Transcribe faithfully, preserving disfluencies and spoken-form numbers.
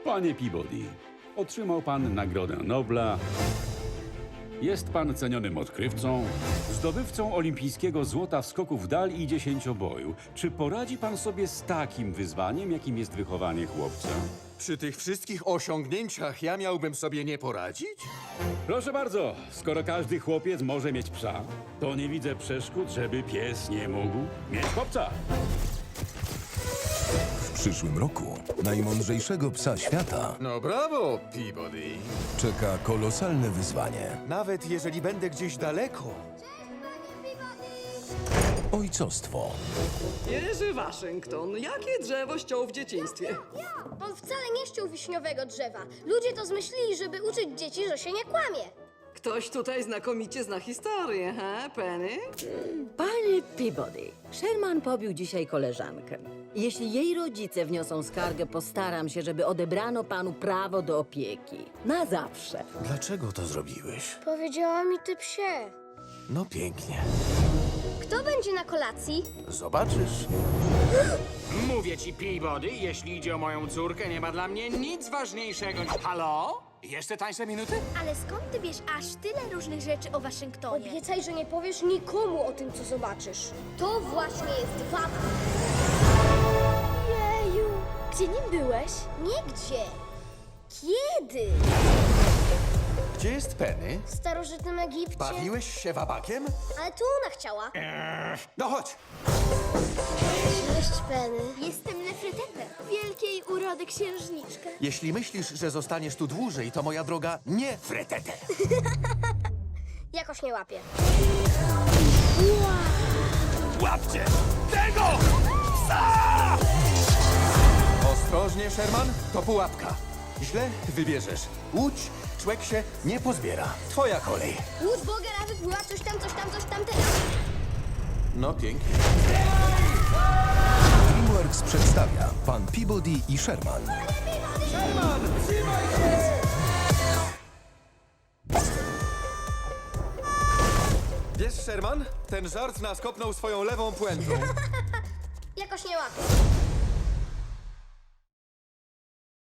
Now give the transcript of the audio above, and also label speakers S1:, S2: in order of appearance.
S1: Panie Peabody, otrzymał pan Nagrodę Nobla. Jest pan cenionym odkrywcą, zdobywcą olimpijskiego złota w skoku w dal i dziesięcioboju. Czy poradzi pan sobie z takim wyzwaniem, jakim jest wychowanie chłopca?
S2: Przy tych wszystkich osiągnięciach ja miałbym sobie nie poradzić?
S1: Proszę bardzo, skoro każdy chłopiec może mieć psa, to nie widzę przeszkód, żeby pies nie mógł mieć chłopca.
S3: W przyszłym roku najmądrzejszego psa świata
S2: No brawo, Peabody.
S3: czeka kolosalne wyzwanie.
S2: Nawet jeżeli będę gdzieś daleko.
S3: Ojcostwo.
S4: Jerzy Waszyngton, jakie drzewo ściął w dzieciństwie?
S5: On wcale nie ściął wiśniowego drzewa. Ludzie to zmyślili, żeby uczyć dzieci, że się nie kłamie.
S4: Ktoś tutaj znakomicie zna historię, he, Penny?
S6: Panie Peabody, Sherman pobił dzisiaj koleżankę. Jeśli jej rodzice wniosą skargę, postaram się, żeby odebrano panu prawo do opieki. Na zawsze.
S2: Dlaczego to zrobiłeś?
S5: Powiedziała mi ty psie.
S2: No pięknie.
S5: Kto będzie na kolacji?
S2: Zobaczysz.
S7: Mówię ci, Peabody, jeśli idzie o moją córkę, nie ma dla mnie nic ważniejszego niż... Halo? Jeszcze tańsze minuty?
S8: Ale skąd ty wiesz aż tyle różnych rzeczy o Waszyngtonie?
S5: Obiecaj, że nie powiesz nikomu o tym, co zobaczysz. To właśnie jest wada.
S8: Jeju, gdzie nim byłeś?
S5: Nigdzie. Kiedy?
S2: Gdzie jest Penny?
S5: W starożytnym Egipcie.
S2: Bawiłeś się wabakiem?
S5: Ale to ona chciała.
S2: No chodź.
S5: Cześć, Penny.
S8: Jestem Nefrytete, wielkiej urody księżniczka.
S2: Jeśli myślisz, że zostaniesz tu dłużej, to moja droga, nie fretete.
S5: Jakoś nie łapie.
S7: Łapcie tego!
S2: Ostrożnie, Sherman, to pułapka. Źle wybierzesz. Łódź, człek się nie pozbiera. Twoja kolej.
S5: Łódź Bogera wypływa coś tam, coś tam, coś tam teraz.
S2: No pięknie.
S3: DreamWorks przedstawia Pan Peabody i Sherman.
S2: Wiesz, Sherman, ten żart nas kopnął swoją lewą puentą.
S5: Jakoś nie łapie.